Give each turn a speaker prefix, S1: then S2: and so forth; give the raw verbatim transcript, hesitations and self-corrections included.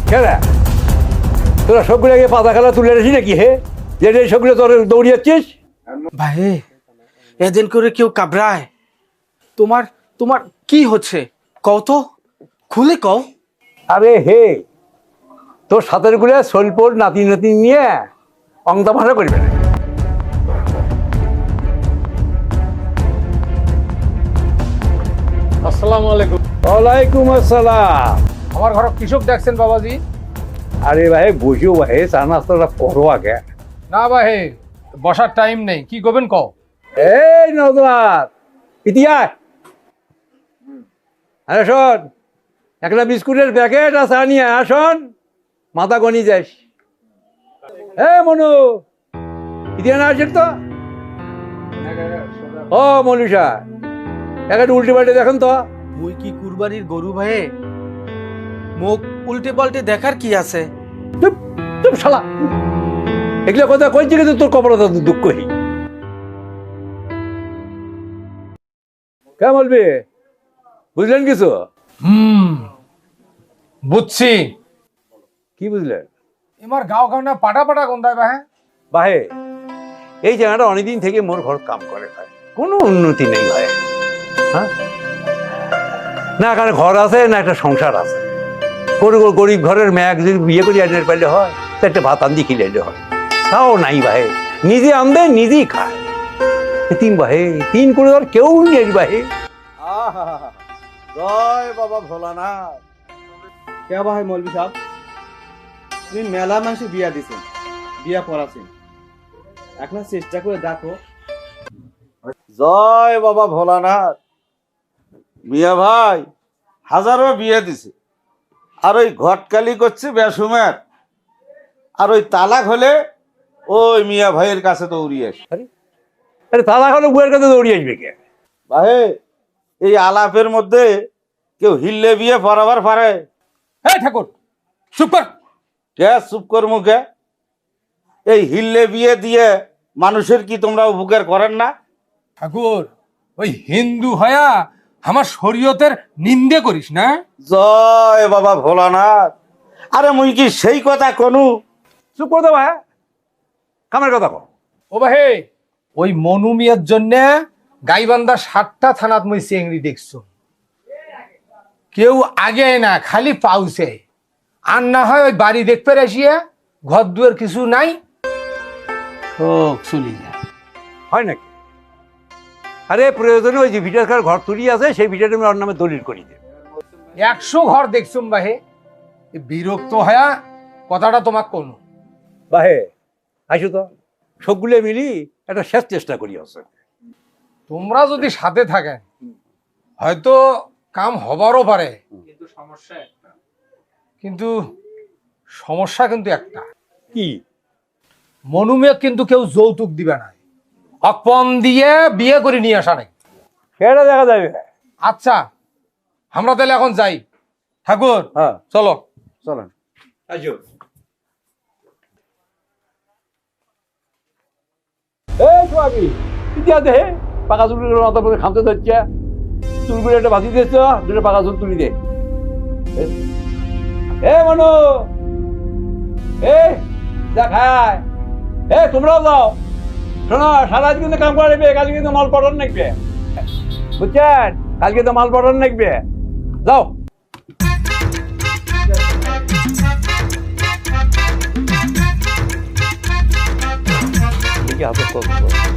S1: কেনা তোরা সবগুলো আগে পাতা খেলা তুলে রেখি নাকি হে যে সবগুলো তোর দৌড়িয়াচ্ছিস?
S2: ভাই এদিন করে কেউ কাবরায়? তোমার তোমার কি হচ্ছে কও তো, খুলে কও।
S1: আরে হে তোর সাথের গুলো সলপোর নাতি নাতি নিয়ে অংতা ভাষা করবে না।
S3: আসসালামু আলাইকুম।
S1: ওয়ালাইকুম আসসালাম।
S3: আমার ঘর কৃষক দেখছেন বাবাজি?
S1: আরে ভাই বসিও ভাই চা নাস্তাটা করো আগে।
S3: না ভাই বসার টাইম নেই, কি করবেন কও।
S1: এই নজরাত ইতিহাস আরে শোন, একটা বিস্কুটের প্যাকেট আর চা নিয়ে আসন, মাথা গনি যাস। এ মনু ইতিহাস আসেন তো। ও মনুষা একটা উল্টে পাল্টে দেখেন তো।
S2: মুই কি কুরবানির গরু ভাই, মুখ উল্টে পাল্টে দেখার কি আছে?
S1: চুপ চুপ শালা, এগুলো কথা কইছি কিন্তু তোর কপালটা দুঃখ হি। কে বলবি বুঝলেন কিছু?
S3: হুম বুঝছি।
S1: কি বুঝলেন?
S3: এমার গাঁও গাঁও না পাটা পাটা গন্ধায় ভাই।
S1: বাহে এই জায়গাটা অনেকদিন থেকে মোর ঘর কাম করে ভাই, কোনো উন্নতি নেই ভাই। হ্যাঁ না এখানে ঘর আছে না একটা সংসার আছে। কোনো গরিব ঘরের মেয়ে যদি বিয়ে করে আনতে পারলে হয়, তো একটা ভাত আন্দি খিলাইলে হয়, তাও নাই ভাই। নিজে আনবে নিজেই খায়। তিন ভাই তিন করে আর কেউ নেই ভাই।
S4: জয় বাবা ভোলানাথ। কে ভাই মৌলভী সাহেব, তুমি মেলা মানুষে বিয়া দিছেন, বিয়া পড়াছেন, এখন চেষ্টা করে দেখো। জয় বাবা ভোলানাথ। মিয়া ভাই হাজারো বিয়ে দিছে, আর ওই ঘটকালি করছে বেসুমের, আর ওই তালাক হলে ওই মিয়া ভাইয়ের কাছে দৌড়িয়ে আসে।
S1: আরে আরে তালা হলো বউয়ের কাছে দৌড়িয়ে আসবে কে?
S4: ভাই এই আলাপের মধ্যে কেউ হিললে বিয়ে পড়াবার পারে?
S3: এই ঠাকুর চুপ কর।
S4: কে চুপ কর মুখে? এই হিললে বিয়ে দিয়ে মানুষের কি তোমরা উপকার করেন না?
S3: ঠাকুর ওই হিন্দু হয়া আমার শরীয়তের নিন্দে করিস না।
S4: জয় বাবা ভোলানাথ। আরে মুই কি সেই কথা কনু?
S1: চুপ করে দে ভাই, কামের কথা কো।
S3: ও ভাই ওই মনু মিয়ার জন্য গাইবান্ধা সাতটা থানাত মই চেংড়ি দেখছো, কেউ আগে না খালি পাউছে। আর না হয় ওই বাড়ি দেখতে আসিয়া ঘর দুয়ার কিছু নাই, সব চলি যায়।
S1: হয় নাকি? আরে প্রয়োজনে ওই যে ভিটার খার ঘর তুলি আছে সেই ভিটাটা আমি ওর নামে দলিল করি দে।
S3: একশো ঘর দেখছুম বাহে, এ বিরক্ত হয়া কথাটা তোমাক কোনো।
S1: বাহে আইসো তো, সবগুলো মিলি একটা শেষ চেষ্টা করি আছে।
S3: তোমরা যদি সাথে থাকেন হয়তো কাম হবারও পারে, কিন্তু সমস্যা একটা। কিন্তু সমস্যা কিন্তু একটা,
S1: কি?
S3: মনুমেক কিন্তু কেউ যৌতুক দিবে না, অপন দিয়ে বিয়ে করে নিয়ে আসা নাই।
S1: সেটা দেখা যাবে।
S3: আচ্ছা আমরা তাহলে এখন যাই। ঠাকুর
S1: হ্যাঁ
S3: চলো।
S1: চলেন আইসো। এই সোয়াবি ইতিহাস দে, পাকা চুলগুলো মাথার মধ্যে খামতে ধরছে, চুলগুলো একটা বাঁধি দিয়েছ, দুটো পাকা চুল তুলি দে। এ মনু এ দেখায়, এ তোমরাও যাও। শোনো সারা কিন্তু কাম করে নেবে, কালকে কিন্তু মাল পাঠান নাকবে, বুঝছেন? কালকে তো মাল পাঠান নাকবে, যাও। হাতে